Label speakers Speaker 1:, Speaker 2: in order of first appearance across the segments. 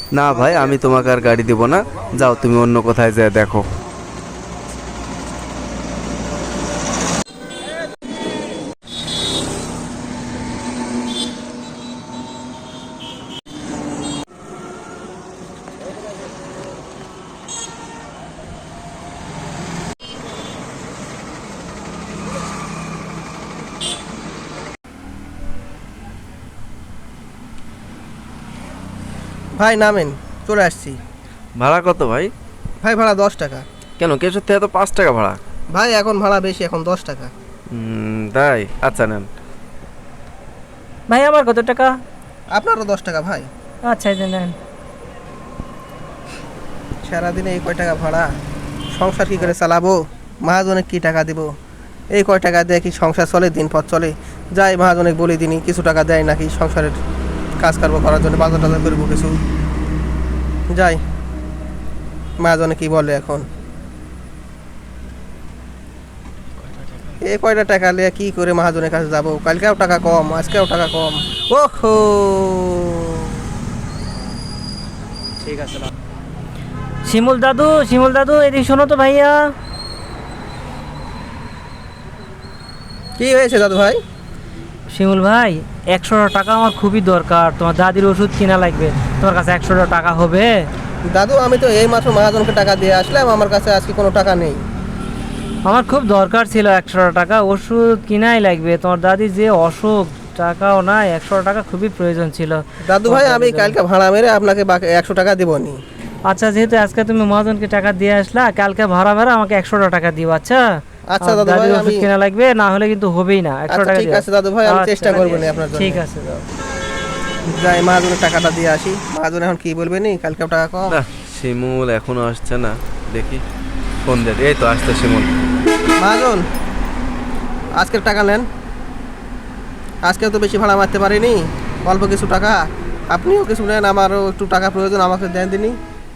Speaker 1: না ভাই, আমি তোমাকে আর গাড়ি দিব না, যাও তুমি অন্য কোথায় যেয়ে দেখো।
Speaker 2: ভাই নামেন, চলে আসছি।
Speaker 1: ভাড়া কত ভাই?
Speaker 2: ভাই ভাড়া 10 টাকা।
Speaker 1: কেন, কেশর থেকে তো 5 টাকা ভাড়া।
Speaker 2: ভাই এখন ভাড়া বেশি, এখন 10 টাকা।
Speaker 1: তাই, আচ্ছা নেন।
Speaker 3: ভাই আমার কত টাকা?
Speaker 2: আপনারও 10 টাকা ভাই।
Speaker 3: আচ্ছা এই যে নেন।
Speaker 2: সারাদিনে এই কয় টাকা ভাড়া, সংসার কি করে চালাবো? মহাজনে কি টাকা দিব? এই কয় টাকা দিয়ে কি সংসার চলে, দিন পথ চলে? যাই মহাজনে বলে দিনই কিছু টাকা দেয় নাকি সংসারের কাজ কারবার করার জন্য, বাজার টাজার করবো কিছু। যাই মহাজনে কি বলে এখন। এই কয়টা টাকা নিয়ে কি করে মহাজনের কাছে যাবো? কালকেও টাকা কম, আজকেও টাকা কম। ওহো,
Speaker 3: ঠিক আছে। শিমুল দাদু, শিমুল দাদু এদিকে শোনো তো ভাইয়া।
Speaker 2: কি হয়েছে দাদু ভাই?
Speaker 3: শিমুল ভাই, 100 টাকা আমার খুবই দরকার, তোমার দাদির ওষুধ কিনা লাগবে। তোমার কাছে 100 টাকা হবে?
Speaker 2: দাদু আমি তো এই মাত্র মহাজনকে টাকা দিয়ে আসলাম, আমার কাছে আজকে কোনো টাকা নেই।
Speaker 3: আমার খুব দরকার ছিল 100 টাকা, ওষুধ কিনাই লাগবে। তোমার দাদি যে অসুখ, টাকাও নাই, 100 টাকা খুবই প্রয়োজন ছিল।
Speaker 2: দাদু ভাই আমি কালকে ভাড়া মেরে আপনাকে বাকি 100 টাকা দেবনি।
Speaker 3: আচ্ছা, যেহেতু আজকে তুমি মহাজনকে টাকা দিয়ে আসলা, কালকে ভাড়া ভাড়া আমাকে 100 টাকা দিও। আচ্ছা
Speaker 2: আচ্ছা
Speaker 3: আমার
Speaker 2: দাদু ভাই,
Speaker 3: দাদির ওষুধ
Speaker 2: আমি
Speaker 3: কিনা লাগবে, না হলে কিন্তু হবেই না। 100
Speaker 2: আচ্ছা
Speaker 3: টাকা
Speaker 2: ঠিক
Speaker 3: দিও।
Speaker 2: আছে দাদু ভাই, আমি
Speaker 3: আচ্ছা,
Speaker 2: চেষ্টা করবো না আপনার জন্য।
Speaker 3: ঠিক আছে দাও।
Speaker 2: যাই মহাজনের টাকাটা দিয়ে আসি। মহাজন এখন কি বলবে নি, কালকেও টাকা কম।
Speaker 1: না, শিমুল এখনো আসছে না, দেখি ফোন দে। এই তো আসছে শিমুল।
Speaker 2: মহাজন আজকের টাকা নেন, আজকেও তো বেশি ভাড়া মারতে পারিনি, অল্প কিছু টাকা। আপনিও কিছু নেন, আমারও একটু টাকা প্রয়োজন, আমাকে দেন দিনই।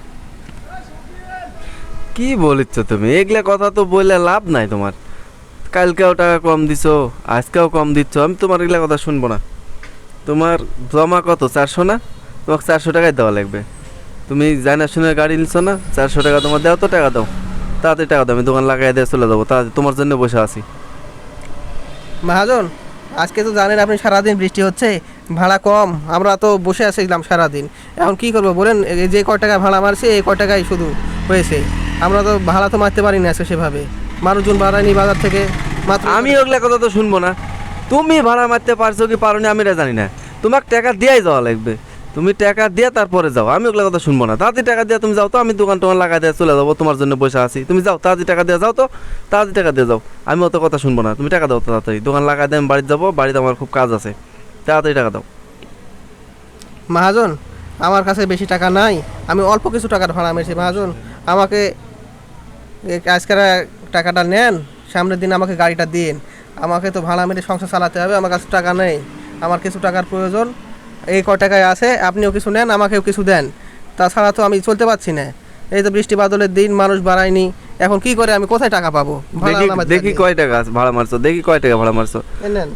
Speaker 1: কি বলিচ্ছ তুমি? এগুলা কথা তো বললে লাভ নাই তোমার। কালকেও টাকা কম দিছো, আজকেও কম দিচ্ছ, আমি তোমার এগুলা কথা শুনবো না। তোমার জমা কত, 400 না? তোমাকে 400 টাকাই দেওয়া লাগবে। তুমি জানা শুনে গাড়ি নিচ্ছ না, 400 টাকা তোমার দাও, তো টাকা দাও, তাড়াতাড়ি টাকা দাও, আমি দোকান লাগাই দিয়ে চলে যাবো, তাড়াতাড়ি তোমার জন্য বসে আছি।
Speaker 2: মহাজন আজকে তো জানেন আপনি, সারাদিন বৃষ্টি হচ্ছে, ভাড়া কম, আমরা তো বসে আসছিলাম সারাদিন। এখন কি করবো বলেন? এই যে কয় টাকা ভাড়া মারছে, এই কয় টাকাই শুধু হয়েছে। আমরা তো ভাড়া তো মারতে পারি না আজকে সেভাবে, মানুষজন বাড়ায়নি বাজার থেকে মাত্র।
Speaker 1: আমি ওগুলা কথা তো শুনবো না। তুমি ভাড়া মারতে পারছো কি পারো না আমি এটা জানি না, তোমাকে টাকা দিয়াই যাওয়া লাগবে। তুমি টাকা দিয়ে তারপরে যাও, আমি ওগুলা কথা শুনবো না। তাড়াতাড়ি টাকা দিয়ে তুমি যাও তো, আমি দোকান টোকান লাগাই দিয়ে চলে যাবো, তোমার জন্য বসে আছি। তুমি যাও, তাড়াতাড়ি টাকা দিয়ে যাও তো, তাড়াতাড়ি টাকা দিয়ে যাও। আমি অত কথা শুনবো না, তুমি টাকা দাও তাড়াতাড়ি, দোকান লাগাই দিয়ে আমি বাড়িতে যাবো, বাড়িতে আমার খুব কাজ আছে, তাড়াতাড়ি টাকা দাও।
Speaker 2: মহাজন আমার কাছে বেশি টাকা নাই, আমি অল্প কিছু টাকার ভাড়া মেরেছি। মহাজন আমাকে আজকের টাকাটা নেন, সামনের দিন আমাকে গাড়িটা দিন। আমাকে তো ভাড়া মেরে সংসার চালাতে হবে, আমার কাছে টাকা নেই, আমার কিছু টাকার প্রয়োজন। এই কয় টাকায় আছে, আপনিও কিছু নেন, আমাকেও কিছু দেন, তাছাড়া তো আমি চলতে পারছি না। এই তো বৃষ্টি বাদলের দিন, মানুষ বাড়ায়নি, এখন কি করে, আমি কোথায় টাকা পাবো? ভাড়া
Speaker 1: দেখি
Speaker 2: নামাতে
Speaker 1: দেখি
Speaker 2: হবে।
Speaker 1: কয় টাকা ভাড়া মারছো, দেখি কয় টাকা ভাড়া মারছো।
Speaker 2: এই নেন।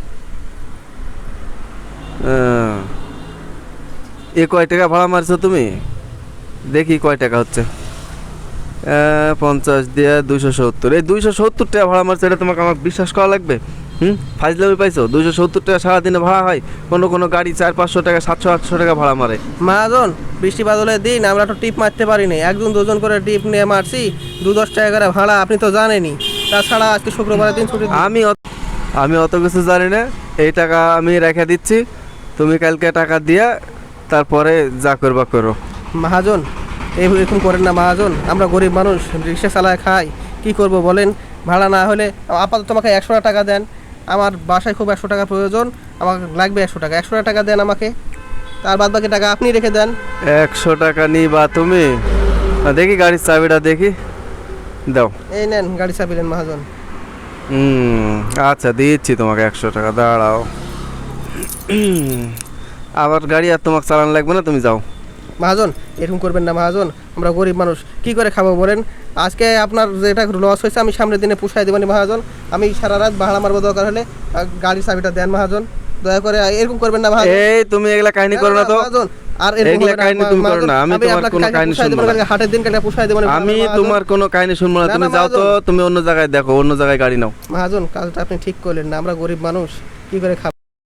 Speaker 1: এ কয় টাকা ভাড়া মারছো তুমি? দেখি কয় টাকা হচ্ছে। 50 দিয়ে 270, এই 270 টাকা ভাড়া মারছো, এটা তোমাকে আমাকে বিশ্বাস করা লাগবে? ফাইজলামি পাইছো? 270 টাকা সারাদিনে ভাড়া হয়? কোনো কোনো গাড়ি 400-500 টাকা, 700-800 টাকা ভাড়া মারে।
Speaker 2: মহাজন বৃষ্টি বাদলের দিন আমরা তো টিপ মারতে পারিনি, একজন দুজন করে টিপ নিয়ে মারছি, 2-10 টাকা করে ভাড়া, আপনি তো জানেনই। তাছাড়া আজকে শুক্রবারের দিন ছুটি।
Speaker 1: আমি অত কিছু জানি না, এই টাকা আমি রেখে দিচ্ছি, তুমি কালকে টাকা দিয়া তারপরে যা করবা করো।
Speaker 2: মহাজন এরকম করেন না মহাজন, আমরা গরিব মানুষ, রিক্সা চালায় খাই, কি করব বলেন? ভাড়া না হলে আপাতত তোমাকে 100 টাকা দেন, আমার বাসায় খুব 100 টাকা প্রয়োজন, আমাকে লাগবে 100 টাকা। 100 টাকা দেন আমাকে, তার বাদ বাকি টাকা আপনি রেখে দেন।
Speaker 1: 100 টাকা নিবা তুমি? দেখি গাড়ির চাবিটা দেখি, দাও।
Speaker 2: এই নেন গাড়ি চাবি নেন মহাজন।
Speaker 1: আচ্ছা দিচ্ছি তোমাকে 100 টাকা, দাঁড়াও। আবার গাড়ি আর তোমাকে চালান লাগবে না, তুমি যাও।
Speaker 2: মহাজন এরকম করবেন না মহাজন, আমরা গরিব মানুষ, কি করে খাবো বলেন? আজকে আপনার যেটা লস হয়েছে আমি সামনের দিনে পুষাই দেবেন মহাজন, আমি সারা রাত ভাড়া মারবো, দরকার হলে গাড়ির চাবিটা দেন মহাজন, দয়া করে এরকম করবেন না মহাজন।
Speaker 1: এই তুমি এগুলা কাহিনী করো না তো।
Speaker 2: মহাজন আর এরকম
Speaker 1: এগুলা
Speaker 2: হবে না,
Speaker 1: কাহিনী তুমি করো না, আমি তোমার
Speaker 2: আপনাকে
Speaker 1: কোনো
Speaker 2: কালকে
Speaker 1: কাহিনী
Speaker 2: পুষায়
Speaker 1: শুনবো
Speaker 2: দেবো,
Speaker 1: না।
Speaker 2: কালকে হাটের দিন কালকে পুষায় দেবো না,
Speaker 1: আমি
Speaker 2: মহাজন।
Speaker 1: তোমার কোনো কাহিনী শুনবো না,
Speaker 2: না,
Speaker 1: তুমি
Speaker 2: না,
Speaker 1: যাও তো,
Speaker 2: মহাজন।
Speaker 1: তুমি অন্য জায়গায় দেখো, অন্য জায়গায় গাড়ি নাও।
Speaker 2: মহাজন কাজটা আপনি ঠিক করলেন না, আমরা গরিব মানুষ কি করে খাবো।